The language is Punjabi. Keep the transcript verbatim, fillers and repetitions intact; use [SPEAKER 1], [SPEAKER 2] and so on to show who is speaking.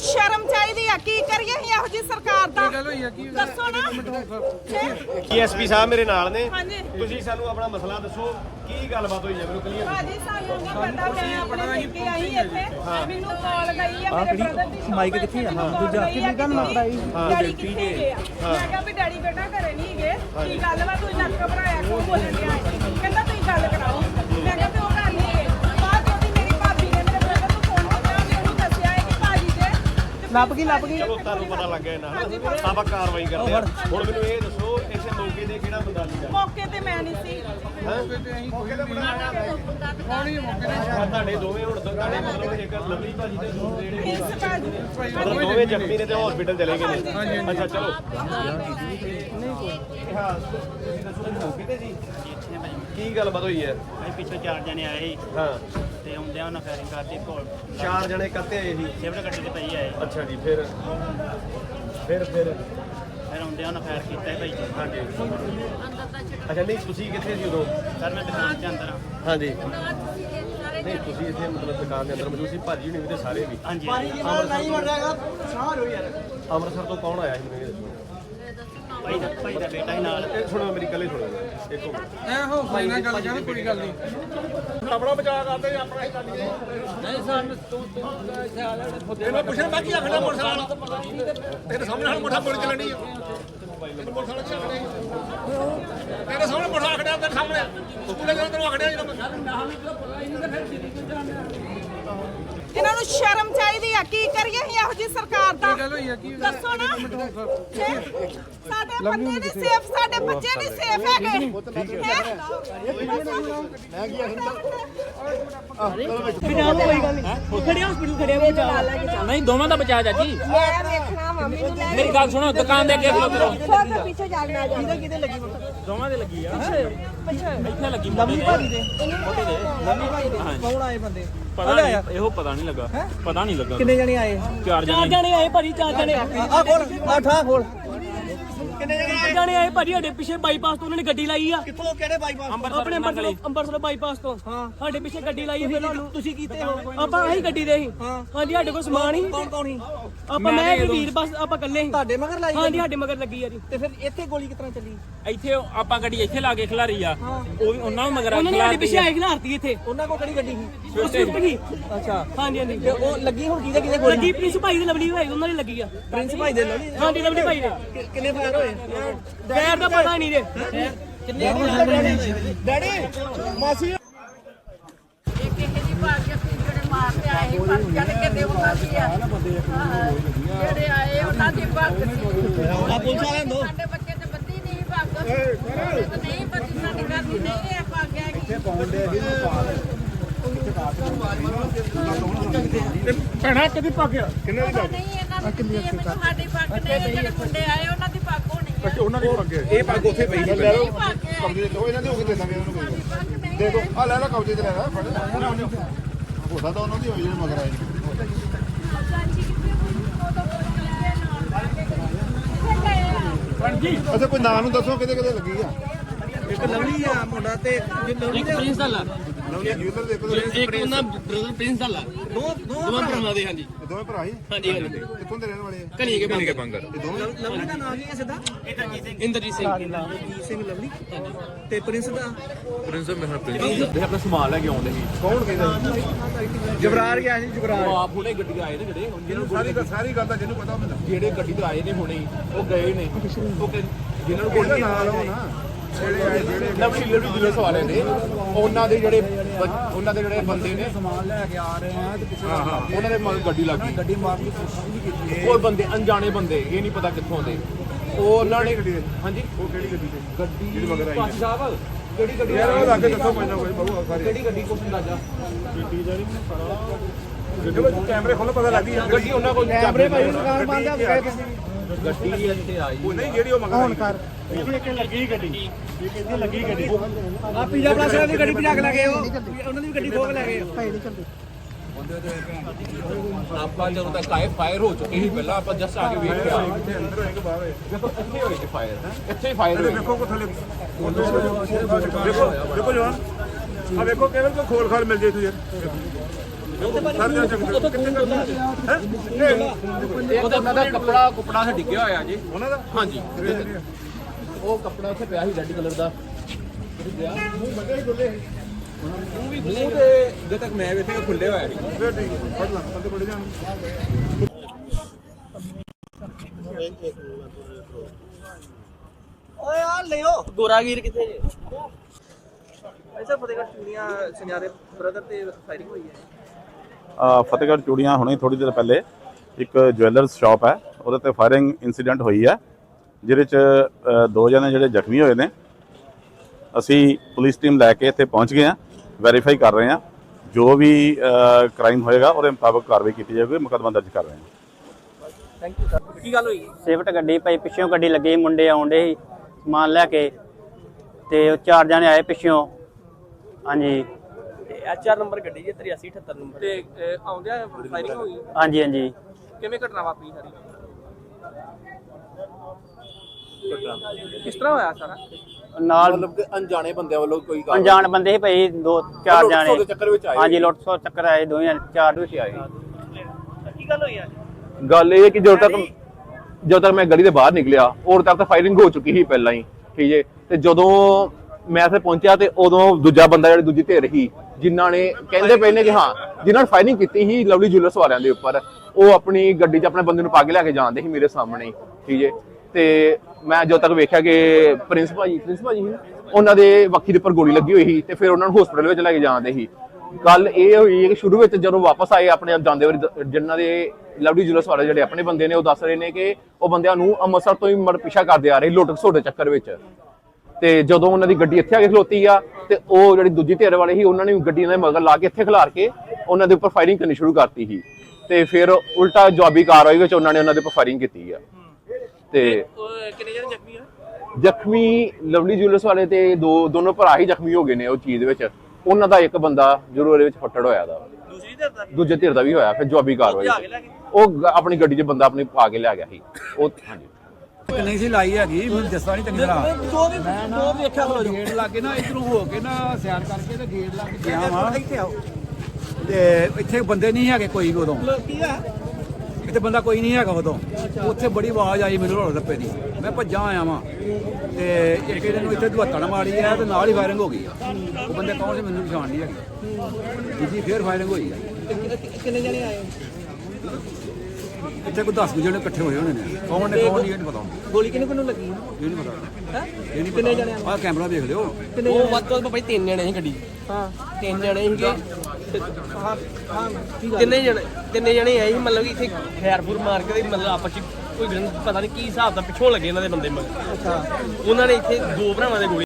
[SPEAKER 1] ਸ਼ਰਮ ਚਾਹੀਦੀ ਆ। ਕੀ ਕਰੀਏ ਅਸੀਂ ਇਹੋ ਜੀ ਸਰਕਾਰ ਦਾ? ਦੱਸੋ ਨਾ।
[SPEAKER 2] ਡੀਐਸਪੀ ਸਾਹਿਬ ਮੇਰੇ ਨਾਲ ਨੇ।
[SPEAKER 1] ਹਾਂਜੀ।
[SPEAKER 2] ਤੁਸੀਂ ਸਾਨੂੰ ਆਪਣਾ ਮਸਲਾ ਦੱਸੋ, ਕੀ ਗੱਲਬਾਤ ਹੋਈ ਹੈ ਮੈਨੂੰ ਕਲੀਅਰ
[SPEAKER 1] ਭਾਜੀ ਸਾਨੂੰ ਨਹੀਂ ਪਤਾ। ਮੈਂ ਆਪਣੇ ਪੇਕੇ ਆਈ ਇੱਥੇ, ਮੈਨੂੰ ਕਾਲ ਗਈ ਆ ਮੇਰੇ ਬ੍ਰਦਰ ਦੀ। ਮਾਈਕ ਕਿੱਥੇ ਆ? ਦੂਜਾ ਕਿੰਨੀ ਗੱਲ ਮਾਰਦਾ ਡੈਡੀ ਕਿੱਥੇ ਗਏ ਆ? ਮੈਂ ਕਿਹਾ ਵੀ ਡੈਡੀ ਬੇਟਾ ਘਰੇ ਨਹੀਂ ਗਏ। ਕੀ ਗੱਲ ਵਾ? ਤੂੰ ਨੱਕ ਘਬਰਾਇਆ ਕਿਉਂ ਬੋਲਣ ਡਿਆ? ਕਹਿੰਦਾ ਤੁਸੀਂ ਗੱਲ ਕਰਾਓ। ਮੈਂ ਕਿਹਾ ਵੀ ਉਹ ਗੱਲ ਨਹੀਂ ਹੈ। ਬਾਅਦ ਚੋਂ ਮੇਰੀ ਭਾਬੀ ਨੇ ਮੇਰੇ ਬ੍ਰਦਰ ਨੂੰ ਫੋਨ ਕੀਤਾ ਤੇ ਉਹਨੂੰ ਦੱਸਿਆ ਹੈ ਕਿ ਭਾਜੀ ਦੇ ਲੱਭ ਗਈ ਲੱਭ ਗਈ।
[SPEAKER 2] ਚਲੋ ਤੁਹਾਨੂੰ ਪਤਾ ਲੱਗ ਗਿਆ ਨਾ, ਆਪਾਂ ਕਾਰਵਾਈ ਕਰਦੇ ਹਾਂ। ਹੁਣ ਮੈਨੂੰ ਇਹ ਦੱਸੋ, ਇੱਥੇ ਮੌਕੇ ਤੇ ਕਿਹੜਾ ਬੰਦਾ ਸੀਗਾ?
[SPEAKER 1] ਮੌਕੇ ਤੇ ਮੈਂ ਨਹੀਂ ਸੀ।
[SPEAKER 2] ਮੌਕੇ ਤੇ ਅਸੀਂ ਕੋਈ ਨਹੀਂ ਕੌਣੀ ਮੌਕੇ ਤੇ ਤੁਹਾਡੇ ਦੋਵੇਂ ਹੁਣ ਤੁਹਾਡੇ ਮਤਲਬ ਇੱਕ ਲਵਲੀ ਭਾਜੀ ਤੇ ਦੂਸਰੇ ਜਿਹੜੇ
[SPEAKER 1] ਇਸ ਭਾਜੀ
[SPEAKER 2] ਮਤਲਬ ਦੋਵੇਂ ਜ਼ਖਮੀ ਨੇ ਤੇ ਹਸਪੀਟਲ ਚਲੇ ਗਏ ਨੇ। ਅੱਛਾ ਚਲੋ ਹਾਂ ਤੁਸੀਂ ਦੱਸੋ ਮੌਕੇ ਤੇ ਜੀ ਕੀ ਗੱਲਬਾਤ ਹੋਈ ਹੈ?
[SPEAKER 3] ਭਾਈ ਪਿੱਛੋਂ ਚਾਰ ਜਣੇ ਆਏ ਸੀ
[SPEAKER 2] ਹਾਂ
[SPEAKER 3] ਤੇ ਆਉਂਦਿਆਂ ਉਹਨਾਂ ਫਾਇਰਿੰਗ ਕਰਤੀ ਕੋਲ
[SPEAKER 2] ਚਾਰ ਜਣੇ ਕੱਤੇ ਆਏ ਸੀ।
[SPEAKER 3] ਸਿਵਲ ਗੱਡੀ ਤੇ ਪਈ ਆਏ
[SPEAKER 2] ਅੱਛਾ ਜੀ। ਫਿਰ ਫਿਰ ਫਿਰ
[SPEAKER 3] ਫਿਰ ਆਉਂਦਿਆਂ ਉਹਨਾਂ ਫਾਇਰ ਕੀਤਾ ਹੈ ਭਾਈ ਜੀ।
[SPEAKER 2] ਹਾਂਜੀ ਅੱਛਾ ਨਹੀਂ ਤੁਸੀਂ ਕਿੱਥੇ ਸੀ ਉਦੋਂ?
[SPEAKER 3] ਸਰ ਮੈਂ ਦੁਕਾਨ ਦੇ ਅੰਦਰ ਹਾਂ।
[SPEAKER 2] ਹਾਂਜੀ ਨਹੀਂ ਤੁਸੀਂ ਇੱਥੇ ਮਤਲਬ ਦੁਕਾਨ ਦੇ ਅੰਦਰ ਮੌਜੂਦ ਸੀ? ਭਾਜੀ ਹੁਣੀ ਵੀ ਤੇ ਸਾਰੇ ਵੀ?
[SPEAKER 3] ਹਾਂਜੀ
[SPEAKER 2] ਅੰਮ੍ਰਿਤਸਰ ਤੋਂ ਕੌਣ ਆਇਆ ਸੀ ਮੈਨੂੰ ਇਹ ਦੱਸੋ?
[SPEAKER 3] ਭਾਈ ਦਾ ਭਾਈ ਦਾ ਬੇਟਾ ਹੀ ਨਾਲ।
[SPEAKER 2] ਇਹ ਸੁਣੋ ਮੇਰੀ ਕੱਲੇ ਸੁਣੋ ਇੱਕ
[SPEAKER 4] ਐ ਹੋ ਭਾਈ ਨਾਲ ਗੱਲ ਕਰ, ਕੋਈ ਗੱਲ ਨਹੀਂ।
[SPEAKER 2] ਆਪਣਾ ਬਚਾਅ ਕਰਦੇ ਆਪਣਾ ਹੀ ਕਰੀਏ।
[SPEAKER 4] ਨਹੀਂ ਸਾਨੂੰ ਤੂੰ ਤੂੰ ਇਹਨੂੰ ਪੁੱਛਣ ਬਾਕੀ ਆਖਣਾ ਮੋਟਰਸਾਈਕਲ ਤੇਰੇ ਸਾਹਮਣੇ ਹਣ ਮੋਟਾ ਗੋਲੀ ਚੱਲਣੀ ਆ। ਤੈਨੂੰ ਮੋਟਰਸਾਈਕਲ ਚੱਲਣੀ ਤੇਰੇ ਸਾਹਮਣੇ ਮੋਟਾ ਆਖਣਾ ਤੇਰੇ ਸਾਹਮਣੇ ਸਕੂਲੇ ਜਦੋਂ ਤੈਨੂੰ ਆਖਣਾ ਜਦੋਂ
[SPEAKER 1] ਇਹਨਾਂ ਨੂੰ ਸ਼ਰਮ ਚਾਹੀਦੀ ਆ। ਕੀ ਕਰੀਏ ਅਸੀਂ ਇਹੋ ਜੀ ਸਰਕਾਰ ਦਾ? ਦੱਸੋ ਨਾ। ਸਾਡੇ ਬੰਦੇ ਨਹੀਂ ਸੇਫ, ਸਾਡੇ ਬੱਚੇ ਨਹੀਂ ਸੇਫ ਹੈਗੇ।
[SPEAKER 5] ਨਹੀਂ ਦੋਵਾਂ ਦਾ ਬਚਾ ਚਾਚੀ।
[SPEAKER 6] ਮੈਂ ਵੇਖਣਾ ਮੰਮੀ ਨੂੰ ਲੈ
[SPEAKER 5] ਮੇਰੀ ਗੱਲ ਸੁਣੋ, ਦੁਕਾਨ ਦੇ ਅੱਗੇ ਖਲੋ ਕਰੋ।
[SPEAKER 6] ਕੇ ਪਿੱਛੇ ਜਾਗਣਾ ਜਾ।
[SPEAKER 5] ਕਿਹਦੇ ਕਿਹਦੇ ਲੱਗੀ? ਦੋਵਾਂ ਦੇ ਲੱਗੀ ਆ।
[SPEAKER 6] ਪਿੱਛੇ
[SPEAKER 5] ਇੱਥੇ ਲੱਗੀ ਲੰਮੀ ਭਾਜੀ ਦੇ ਮੋਟੇ ਦੇ ਲੰਮੀ ਭਾਜੀ ਦੇ ਕੌਣ ਆਏ ਬੰਦੇ? ਪਤਾ ਨਹੀਂ, ਇਹੋ ਪਤਾ ਨਹੀਂ ਲੱਗਾ। ਪਤਾ ਨਹੀਂ ਲੱਗਾ ਕਿੰਨੇ ਜਣੇ ਆਏ? ਚਾਰ ਜਣੇ। ਚਾਰ ਜਣੇ ਆਏ ਭਾਜੀ, ਚਾਰ ਜਣੇ। ਆ ਖੋਲ ਆ ਠਾ ਖੋਲ। ਕਿੰਨੇ ਜਣੇ ਜਾਣੇ ਆਏ ਭਾਜੀ? ਸਾਡੇ ਪਿੱਛੇ ਬਾਈਪਾਸ ਤੋਂ ਉਹਨਾਂ ਨੇ ਗੱਡੀ ਲਾਈ ਆ। ਕਿੱਥੋਂ? ਕਿਹੜੇ ਬਾਈਪਾਸ? ਆਪਣੇ ਅੰਬਰਸਰ ਅੰਬਰਸਰ ਬਾਈਪਾਸ ਤੋਂ। ਹਾਂ ਸਾਡੇ ਪਿੱਛੇ ਗੱਡੀ ਲਾਈ ਫਿਰ ਉਹਨੂੰ। ਤੁਸੀਂ ਕੀਤੇ ਹੋ? ਆਪਾਂ ਆਹੀ ਗੱਡੀ ਦੇ ਸੀ। ਹਾਂਜੀ ਸਾਡੇ ਕੋਲ ਸਮਾਨ ਹੀ ਕੌਣ ਕੌਣ ਸੀ? ਆਪਾਂ ਮੈਂ ਤੇ ਵੀਰ ਬਸ ਆਪਾਂ ਇਕੱਲੇ ਸੀ। ਤੁਹਾਡੇ ਮਗਰ ਲਾਈ? ਹਾਂਜੀ ਸਾਡੇ ਮਗਰ ਲੱਗੀ ਆ ਜੀ। ਤੇ ਫਿਰ ਇੱਥੇ ਗੋਲੀ ਕਿਤਨਾ ਚੱਲੀ? ਇੱਥੇ ਆਪਾਂ ਗੱਡੀ ਇੱਥੇ ਲਾ ਕੇ ਖਿਲਾਰੀ ਆ। ਉਹ ਵੀ ਉਹਨਾਂ ਨੂੰ ਮਗਰ ਉਹਨਾਂ ਨੇ ਪਿੱਛੇ ਆਏ ਖਿਲਾਰਤੀ ਇੱਥੇ। ਉਹਨਾਂ ਕੋਲ ਕਿਹੜੀ ਗੱਡੀ ਸੀ? ਉਹ ਸਵਿਫਟ ਸੀ। ਅੱਛਾ ਹਾਂਜੀ ਹਾਂਜੀ। ਤੇ ਉਹ ਲੱਗੀ ਹੁਣ ਕਿਹਦੇ ਕਿਹਦੇ ਗੋਲੀ? ਲੱਗੀ ਪ੍ਰਿੰਸ ਭਾਈ ਦੇ ਲਵਲੀ ਹੋਏ, ਉਹਨਾਂ ਨੇ ਲੱਗੀ ਆ। ਪ੍ਰਿੰਸ ਭਾਈ ਦੇ ਲਵਲੀ? ਹਾਂਜੀ ਲਵਲੀ ਭਾਈ ਦੇ। ਕਿੰਨੇ ਫਾਇਰ ਹੋਏ? ਫਾਇਰ ਦਾ ਪਤਾ ਨਹੀਂ ਜੇ ਕਿੰਨੇ ਡੈਡੀ ਮਾਸੀ
[SPEAKER 7] ਮਾਰਦੇ ਆਏ ਪਰ ਜਦ ਕੇ ਦੇਵਤਾ ਸੀ ਆ ਜਿਹੜੇ ਆਏ ਉਹਨਾਂ ਦੀ ਭਗਤ ਸੀ।
[SPEAKER 4] ਆ ਪੁਲਿਸ ਵਾਲਿਆਂ ਦੋ
[SPEAKER 7] ਸਾਡੇ ਬੱਚੇ ਤੇ ਬੱਦੀ ਨਹੀਂ ਭਗਤ ਤੇ ਨਹੀਂ ਬੱਦੀ ਸਾਡੇ ਘਰ ਦੀ ਨਹੀਂ ਹੈ ਭਾਗਿਆ ਕਿੱਥੇ ਪਹੁੰਚਦੇ
[SPEAKER 4] ਭੈਣਾ ਕਦੀ ਪੱਕਿਆ ਕਿੰਨੇ ਦੀ
[SPEAKER 7] ਨਹੀਂ ਇਹਨਾਂ ਦੀ ਮੈਨੂੰ ਸਾਡੀ ਪੱਗ ਨਹੀਂ ਜਿਹੜੇ ਮੁੰਡੇ ਆਏ ਉਹਨਾਂ ਦੀ ਪੱਗ ਹੋਣੀ ਹੈ।
[SPEAKER 4] ਉਹਨਾਂ ਦੀ ਪੱਕਿਆ ਇਹ ਪੱਗ ਉੱਥੇ ਪਈ ਸੀ
[SPEAKER 7] ਨਹੀਂ ਭਾਗਿਆ
[SPEAKER 4] ਕਬਜ਼ੇ ਤੇ ਇਹਨਾਂ ਦੀ ਹੋ ਕੇ ਦੇ ਦਾਂਗੇ ਉਹਨੂੰ ਕੋਈ ਦੇ ਦੋ ਆ ਲੈ ਲੈ ਕਬਜ਼ੇ ਤੇ ਲੈ ਲੈ ਫੜ ਹੋ ਸਕਦਾ ਉਹਨਾਂ ਦੀ ਹੋਈ ਜਿਹੜੇ ਮਗਰ ਆਏ ਅੱਛਾ ਕੋਈ ਨਾਂ ਨੂੰ ਦੱਸੋ ਕਿਤੇ ਕਿਤੇ ਲੱਗੀ ਆ? ਇੱਕ ਲਵਲੀ ਆ ਮੁੰਡਾ ਤੇ
[SPEAKER 5] ਇੱਕ ਪ੍ਰਿੰਸ ਦਾ ਲਾ
[SPEAKER 4] ਲਵਲੀ ਜੂਲਰ ਦੇ
[SPEAKER 5] ਇੱਕ ਉਹਨਾਂ ਬ੍ਰਦਰ ਪ੍ਰਿੰਸ ਦਾ ਲਾ ਦੋ ਦੋਵਾਂ ਭਰਾਵਾਂ ਦੇ। ਹਾਂਜੀ
[SPEAKER 4] ਦੋਵੇਂ ਭਰਾ ਹੀ
[SPEAKER 5] ਹਾਂਜੀ ਹਾਂਜੀ।
[SPEAKER 4] ਕਿੱਥੋਂ ਦੇ ਰਹਿਣ ਵਾਲੇ ਆ?
[SPEAKER 5] ਕਣੀ ਕੇ ਬੰਗਰ।
[SPEAKER 4] ਇਹ ਦੋਵੇਂ
[SPEAKER 6] ਲਵਲੀ ਦਾ ਨਾਮ ਕੀ ਹੈ ਸਿੱਧਾ?
[SPEAKER 5] ਇੰਦਰਜੀਤ ਸਿੰਘ।
[SPEAKER 6] ਜੀਤ ਸਿੰਘ ਲਵਲੀ। ਤੇ ਪ੍ਰਿੰਸ ਦਾ
[SPEAKER 5] ਪ੍ਰਿੰਸ ਮੇਰਾ ਪ੍ਰਿੰਸ ਦੇ ਆਪਣਾ ਸਮਾਨ ਲੈ ਕੇ ਆਉਂਦੇ ਸੀ।
[SPEAKER 4] ਕੌਣ ਕਹਿੰਦਾ? ਜਬਰਾਰ ਗਿਆ ਸੀ ਜਬਰਾਰ।
[SPEAKER 5] ਉਹ ਆਪ ਹੁਣੇ ਗੱਡੀ ਆਏ ਨੇ ਜਿਹੜੇ ਜਿਹਨੂੰ
[SPEAKER 4] ਸਾਰੀ ਸਾਰੀ ਗੱਲ ਤਾਂ ਜਿਹਨੂੰ ਪਤਾ ਹੁੰਦਾ
[SPEAKER 5] ਜਿਹੜੇ ਗੱਡੀ ਤੇ ਆਏ ਨੇ ਹੁਣੇ ਹੀ, ਉਹ ਗਏ ਨੇ ਉਹ ਕਿ- ਜਿਹਨਾਂ ਨੂੰ
[SPEAKER 4] ਉਹਦਾ
[SPEAKER 5] ਗੋਲੀ
[SPEAKER 4] ਨਾਂ ਲਓ ਨਾ ਜਿਹੜੇ ਆਏ ਜਿਹੜੇ
[SPEAKER 5] ਨਵੀਂ ਲੜੀ ਪੁਲਿਸ ਵਾਲੇ ਨੇ ਉਹਨਾਂ ਦੇ ਜਿਹੜੇ ਬ- ਉਹਨਾਂ ਦੇ ਜਿਹੜੇ ਬੰਦੇ ਨੇ
[SPEAKER 4] ਸਮਾਨ ਲੈ ਕੇ ਆ ਰਹੇ ਆ ਤੇ ਪਿੱਛੇ
[SPEAKER 5] ਹਾਂ ਹਾਂ ਉਹਨਾਂ ਦੇ ਮਗਰ ਗੱਡੀ ਲੱਗ ਗਈ।
[SPEAKER 4] ਗੱਡੀ ਮਾਰਨ ਦੀ ਕੋਸ਼ਿਸ਼ ਨਹੀਂ ਕੀਤੀ
[SPEAKER 5] ਉਹ ਬੰਦੇ ਅਣਜਾਣੇ ਬੰਦੇ, ਇਹ ਨਹੀਂ ਪਤਾ ਕਿੱਥੋਂ ਦੇ। ਉਹ ਉਹਨਾਂ ਨੇ ਹਾਂਜੀ
[SPEAKER 4] ਉਹ ਕਿਹੜੀ ਗੱਡੀ ਤੇ
[SPEAKER 5] ਗੱਡੀ
[SPEAKER 4] ਜਿਹੜੀ ਮਗਰ ਆਈ
[SPEAKER 5] ਪਾਸੀ ਸਾਹਿਬ ਕਿਹੜੀ ਗੱਡੀ?
[SPEAKER 4] ਯਾਰ ਉਹ ਲੱਗੇ ਦੱਸੋ ਮੈਨੂੰ ਕੋਈ ਬਹੁ ਸਾਰੀ
[SPEAKER 5] ਕਿਹੜੀ ਗੱਡੀ ਕੁਛ ਅੰਦਾਜ਼ਾ?
[SPEAKER 4] ਜਦੋਂ ਕੈਮਰੇ ਖੋਲੋ ਪਤਾ ਲੱਗ ਗਈ
[SPEAKER 5] ਗੱਡੀ ਉਹਨਾਂ ਕੋਲ
[SPEAKER 4] ਕੈਮਰੇ ਭਾਈ ਦੁਕਾਨ ਬੰਦ ਆ ਗਏ
[SPEAKER 5] ਗੱਡੀ ਇੱਥੇ ਆਈ
[SPEAKER 4] ਉਹ ਨਹੀਂ ਜਿਹੜੀ ਉਹ ਮਗਰ ਹੁਣ ਕਰ
[SPEAKER 6] ਆ ਪੀਜ਼ਾ ਪਲਸ ਦੀ ਗੱਡੀ ਭਜਾ ਕੇ ਲੈ ਗਏ ਉਹ ਉਹਨਾਂ ਦੀ ਵੀ ਗੱਡੀ ਖੋਹ ਕੇ ਲੈ ਗਏ ਭਾਈ ਨਹੀਂ ਚੱਲਦੇ।
[SPEAKER 5] ਆਪਾਂ ਜਦੋਂ ਤੱਕ ਆਏ ਫਾਇਰ ਹੋ ਚੁੱਕੀ ਸੀ ਪਹਿਲਾਂ ਆਪਾਂ ਜਸਟ ਆ ਕੇ ਵੇਖ ਕੇ ਆਏ।
[SPEAKER 4] ਇੱਥੇ ਅੰਦਰ ਹੋਏਗਾ ਬਾਹਰ
[SPEAKER 5] ਦੇਖੋ ਇੱਥੇ ਹੋਈ ਸੀ ਫਾਇਰ, ਇੱਥੇ ਹੀ ਫਾਇਰ ਹੋਈ।
[SPEAKER 4] ਵੇਖੋ ਕੋ ਥੱਲੇ ਦੇਖੋ ਦੇਖੋ ਜਵਾਨ ਆ ਵੇਖੋ ਕੇਵਲ ਕੋ ਖੋਲ ਖਾਲ ਮਿਲ ਜੇ ਤੂੰ ਯਾਰ ਸਾਰੇ ਜਣੇ ਚੱਕ ਕਿੰਨੇ ਕਰਦੇ ਹੈ
[SPEAKER 2] ਉਹਨਾਂ ਦਾ ਕੱਪੜਾ ਕੁਪੜਾ ਡਿੱਗਿਆ ਹੋਇਆ ਜੀ
[SPEAKER 4] ਉਹਨਾਂ ਦਾ
[SPEAKER 2] ਹਾਂਜੀ ਉਹ ਕੱਪੜਾ ਉੱਥੇ ਪਿਆ ਸੀ ਰੈੱਡ ਕਲਰ ਦਾ
[SPEAKER 4] ਮੂੰਹ ਬੰਦੇ ਹੀ ਖੁੱਲੇ
[SPEAKER 6] ਮੂੰਹ ਤੇ ਜਦੋਂ ਤੱਕ ਮੈਂ ਵੇਖਿਆ ਖੁੱਲੇ ਹੋਇਆ ਸੀ
[SPEAKER 4] ਫਿਰ ਠੀਕ ਹੈ ਫੜ ਲਾ ਬੰਦੇ ਬੜੇ ਜਾਣ
[SPEAKER 6] ਓਏ ਆ ਲਿਓ ਗੋਰਾਗੀਰ ਕਿੱਥੇ ਜੇ ਐਸਾ ਫਤਿਹਗੜ੍ਹ ਚੂੜੀਆਂ ਸੁਨਿਆਰੇ ਬ੍ਰਦਰ ਤੇ ਫਾਇਰਿੰਗ ਹੋਈ ਹੈ
[SPEAKER 8] ਅ, ਫਤਿਹਗੜ੍ਹ ਚੂੜੀਆਂ ਹੁਣੇ ਥੋੜੀ ਦੇਰ ਪਹਿਲੇ ਇੱਕ ਜੁਐਲਰਸ ਸ਼ਾਪ ਹੈ ਉਹਦੇ ਤੇ ਫਾਇਰਿੰਗ ਇਨਸੀਡੈਂਟ ਹੋਈ ਹੈ ਜਿਹਦੇ ਚ ਅ, ਦੋ ਜਣੇ ਜਿਹੜੇ ਜ਼ਖਮੀ ਹੋਏ ਨੇ। ਅਸੀਂ ਪੁਲਿਸ ਟੀਮ ਲੈ ਕੇ ਇੱਥੇ ਪਹੁੰਚ ਗਏ ਹਾਂ, ਵੈਰੀਫਾਈ ਕਰ ਰਹੇ ਹਾਂ, ਜੋ ਵੀ ਕ੍ਰਾਈਮ ਹੋਏਗਾ ਉਹਦੇ ਮੁਤਾਬਕ ਕਾਰਵਾਈ ਕੀਤੀ ਜਾਵੇਗੀ, ਮੁਕੱਦਮਾ ਦਰਜ ਕਰ ਰਹੇ ਹਾਂ।
[SPEAKER 6] ਥੈਂਕ ਯੂ ਸਰ ਕੀ ਗੱਲ ਹੋਈ
[SPEAKER 3] ਸਿਫਟ ਗੱਡੀ ਭਾਈ ਪਿੱਛੋਂ ਗੱਡੀ ਲੱਗੀ ਮੁੰਡੇ ਆਉਂਦੇ ਸੀ ਸਮਾਨ ਲੈ ਕੇ ਤੇ ਉਹ ਚਾਰ ਜਣੇ ਆਏ ਪਿੱਛੋਂ ਹਾਂਜੀ
[SPEAKER 6] ਤੇ ਐਚ ਆਰ ਨੰਬਰ ਗੱਡੀ ਜੇ ਤਰਿਆਸੀ ਅਠੱਤਰ ਨੰਬਰ ਤੇ ਅਹ, ਆਉਂਦਿਆਂ ਫਾਇਰਿੰਗ ਹੋਈ
[SPEAKER 3] ਹਾਂਜੀ ਹਾਂਜੀ
[SPEAKER 6] ਕਿਵੇਂ ਘਟਨਾ ਵਾਪਰੀ ਸਾਰੀ ਕਿਸ ਤਰ੍ਹਾਂ ਹੋਇਆ ਸਾਰਾ
[SPEAKER 3] ਨਾਲ
[SPEAKER 2] ਮਤਲਬ ਕਿ ਅਣਜਾਣੇ ਬੰਦਿਆਂ ਵੱਲੋਂ ਕੋਈ ਗੱਲ
[SPEAKER 3] ਅਣਜਾਣ ਬੰਦੇ ਸੀ ਭਾਈ ਦੋ ਚਾਰ
[SPEAKER 2] ਲੁੱਟ-ਖਸੁੱਟ
[SPEAKER 3] ਜਾਣੇ
[SPEAKER 2] ਦੇ ਚੱਕਰ ਵਿੱਚ ਆਏ
[SPEAKER 3] ਹਾਂਜੀ ਲੁੱਟ ਸੋ ਚੱਕਰ ਆਏ ਦੋਵੇਂ ਚਾਰ ਦੋਸ਼ੀ ਆਏ
[SPEAKER 6] ਕੀ ਗੱਲ ਹੋਈ ਅੱਜ
[SPEAKER 9] ਗੱਲ ਇਹ ਹੈ ਕਿ ਜਦੋਂ ਤੱਕ ਜਦੋਂ ਤੱਕ ਮੈਂ ਗਲੀ ਦੇ ਬਾਹਰ ਨਿਕਲਿਆ ਉਦੋਂ ਤੱਕ ਤਾਂ ਫਾਇਰਿੰਗ ਹੋ ਚੁੱਕੀ ਸੀ ਪਹਿਲਾਂ ਹੀ ਠੀਕ ਹੈ ਤੇ ਜਦੋਂ ਮੈਂ ਇੱਥੇ ਪਹੁੰਚਿਆ ਤੇ ਉਦੋਂ ਦੂਜਾ ਬੰਦਾ ਜਿਹੜੀ ਦੂਜੀ ਧਿਰ ਸੀ ਜਿਨ੍ਹਾਂ ਨੇ ਕਹਿੰਦੇ ਪਏ ਨੇ ਕਿ ਹਾਂ ਜਿਨ੍ਹਾਂ ਨੇ ਫਾਇਰਿੰਗ ਕੀਤੀ ਸੀ ਲਵਲੀ ਜੁਐਲਰਸ ਵਾਲਿਆਂ ਦੇ ਉੱਪਰ ਉਹ ਆਪਣੀ ਗੱਡੀ 'ਚ ਆਪਣੇ ਬੰਦੇ ਨੂੰ ਪਾ ਕੇ ਲੈ ਕੇ ਜਾਂਦੇ ਸੀ ਮੇਰੇ ਸਾਹਮਣੇ ਠੀਕ ਹੈ ਤੇ ਮੈਂ ਜਦੋਂ ਤੱਕ ਵੇਖਿਆ ਕਿ ਪ੍ਰਿੰਸ ਭਾਜੀ ਪ੍ਰਿੰਸ ਭਾਜੀ ਸੀ ਉਹਨਾਂ ਦੇ ਵੱਖੀ ਦੇ ਉੱਪਰ ਗੋਲੀ ਲੱਗੀ ਹੋਈ ਸੀ ਤੇ ਫਿਰ ਉਹਨਾਂ ਨੂੰ ਹਸਪੀਟਲ ਵਿੱਚ ਲੈ ਕੇ ਜਾਂਦੇ ਸੀ। ਗੱਲ ਇਹ ਹੋਈ ਹੈ ਕਿ ਸ਼ੁਰੂ ਵਿੱਚ ਜਦੋਂ ਵਾਪਸ ਆਏ ਆਪਣੇ ਆਪ ਜਾਂਦੇ ਵਾਰੀ ਜਿਨ੍ਹਾਂ ਦੇ ਲਵਲੀ ਜੁਐਲਰਸ ਵਾਲੇ ਜਿਹੜੇ ਆਪਣੇ ਬੰਦੇ ਨੇ ਉਹ ਦੱਸ ਰਹੇ ਨੇ ਕਿ ਉਹ ਬੰਦਿਆਂ ਨੂੰ ਅੰਮ੍ਰਿਤਸਰ ਤੋਂ ਹੀ ਮੜ ਪਿੱਛਾ ਕਰਦੇ ਆ ਰਹੇ ਲੁੱਟ ਖਸੁੱਟ ਦੇ ਚੱਕਰ ਵਿੱਚ ਤੇ ਜਦੋਂ ਉਹਨਾਂ ਦੀ ਗੱਡੀ ਇੱਥੇ ਆ ਕੇ ਖਲੋਤੀ ਆ ਤੇ ਉਹ ਜਿਹੜੀ ਦੂਜੀ ਧਿਰ ਵਾਲੇ ਸੀ ਉਹਨਾਂ ਨੇ ਗੱਡੀ ਦੇ ਮਗਰ ਲਾ ਕੇ ਇੱਥੇ ਖਿਲਾਰ ਕੇ ਉਹਨਾਂ ਦੇ ਉੱਪਰ ਫਾਇਰਿੰਗ ਕਰਨੀ ਸ਼ੁਰੂ ਕਰਤੀ ਸੀ ਤੇ ਫਿਰ ਉਲਟਾ ਜਵਾਬੀ ਕਾਰਵਾਈ ਵਿੱਚ ਉਹਨਾਂ ਨੇ ਉਹਨਾਂ ਦੇ ਉੱਪਰ ਫਾਇਰਿੰਗ ਕੀਤੀ ਆ ਤੇ
[SPEAKER 6] ਕਿੰਨੇ ਜਣੇ ਜ਼ਖਮੀ ਹੋਏ
[SPEAKER 9] ਜ਼ਖਮੀ ਲਵਲੀ ਜੁਐਲਰਸ ਵਾਲੇ ਤੇ ਦੋ ਦੋਨੋਂ ਭਰਾ ਹੀ ਜ਼ਖਮੀ ਹੋ ਗਏ ਨੇ ਉਹ ਚੀਜ਼ ਵਿੱਚ ਉਹਨਾਂ ਦਾ ਇੱਕ ਬੰਦਾ ਜ਼ਰੂਰ ਇਹਦੇ ਵਿੱਚ ਫੱਟੜ ਹੋਇਆ ਦਾ
[SPEAKER 6] ਦੂਸਰੀ ਧਿਰ ਦਾ
[SPEAKER 9] ਦੂਜੇ ਧਿਰ ਦਾ ਵੀ ਹੋਇਆ ਫਿਰ ਜਵਾਬੀ ਕਾਰਵਾਈ
[SPEAKER 6] ਜਾ ਕੇ ਲੈ ਗਏ
[SPEAKER 9] ਉਹ ਗ- ਆਪਣੀ ਗੱਡੀ 'ਚ ਬੰਦਾ ਆਪਣੀ ਪਾ ਕੇ ਲਿਆ ਗਿਆ ਸੀ ਉਹ ਹਾਂਜੀ
[SPEAKER 10] ਨਹੀਂ ਸੀ ਲਾਈ ਹੈਗੀ ਮੈਨੂੰ ਦੱਸਦਾ ਨਹੀਂ ਚੰਗੀ ਤਰ੍ਹਾਂ
[SPEAKER 6] ਦੋ ਵੀ ਦੋ ਵੇਖਿਆ ਖਲੋ
[SPEAKER 10] ਗੇਟ ਲੱਗੇ ਨਾ ਇਧਰੋਂ ਹੋ ਕੇ ਨਾ ਸਿਆਰ ਕਰਕੇ ਤੇ ਗੇਟ ਲੱਗ ਗਿਆ ਵਾ
[SPEAKER 6] ਇੱਥੇ ਆਓ
[SPEAKER 10] ਤੇ ਇੱਥੇ ਬੰਦੇ ਨਹੀਂ ਹੈਗੇ ਕੋਈ ਵੀ ਉਦੋਂ
[SPEAKER 6] ਕੀ ਆ
[SPEAKER 10] ਇੱਥੇ ਬੰਦਾ ਕੋਈ ਨਹੀਂ ਹੈਗਾ ਉਦੋਂ ਉੱਥੇ ਬੜੀ ਆਵਾਜ਼ ਆਈ ਮੈਨੂੰ ਰੋਲ ਰੱਪੇ ਦੀ ਮੈਂ ਭੱਜਾਂ ਆਇਆ ਵਾਂ ਤੇ ਇੱਕ ਇਹਦੇ ਨੂੰ ਇੱਥੇ ਦੁਹੱਤਣ ਮਾਰੀ ਹੈ ਤੇ ਨਾਲ ਹੀ ਫਾਇਰਿੰਗ ਹੋ ਗਈ ਆ ਉਹ ਬੰਦੇ ਕੌਣ ਸੀ ਮੈਨੂੰ ਪਛਾਣ ਨਹੀਂ ਹੈਗੀ ਜੀ ਫੇਰ ਫਾਇਰਿੰਗ ਹੋਈ ਆ
[SPEAKER 6] ਕਿੰਨੇ ਜਣੇ ਆਏ
[SPEAKER 10] ਇੱਥੇ ਕੋਈ ਦਸ ਜਣੇ ਇਕੱਠੇ ਹੋਏ ਹੋਣੇ ਨੇ ਕੌਣ ਨੇ ਕੌਣ ਨਹੀਂ ਇਹ ਨਹੀਂ ਪਤਾ
[SPEAKER 6] ਗੋਲੀ ਕਿਹਨੂੰ ਕਿਹਨੂੰ ਲੱਗੀ
[SPEAKER 10] ਇਹ ਨਹੀਂ ਪਤਾ
[SPEAKER 6] ਹੈ
[SPEAKER 10] ਇਹ ਨਹੀਂ
[SPEAKER 6] ਕਿੰਨੇ ਜਣੇ
[SPEAKER 10] ਆਹ ਕੈਮਰਾ ਦੇਖ ਲਿਓ
[SPEAKER 6] ਉਹ ਵੱਧ ਤੋਂ ਵੱਧ ਭਾਈ ਤਿੰਨ ਜਣੇ ਸੀ ਗੱਡੀ ਹਾਂ ਤਿੰਨ ਜਣੇ ਸੀਗੇ ਤੇ ਹਾਂ ਹਾਂ ਤਿੰਨੇ ਜਣੇ ਤਿੰਨੇ ਜਣੇ ਆਏ ਸੀ ਮਤਲਬ ਕਿ ਇੱਥੇ ਖੈਰਪੁਰ ਮਾਰ ਕੇ ਤੇ ਮਤਲਬ ਆਪਸ ਚ ਕੋਈ ਪਤਾ ਨਹੀਂ ਕੀ ਹਿਸਾਬ ਦਾ ਪਿੱਛੋਂ ਲੱਗੇ ਇਹਨਾਂ ਦੇ ਬੰਦੇ ਮਗਰ ਅੱਛਾ ਉਹਨਾਂ ਨੇ ਇੱਥੇ ਦੋ ਭਰਾਵਾਂ ਦੇ ਗੋਲੀ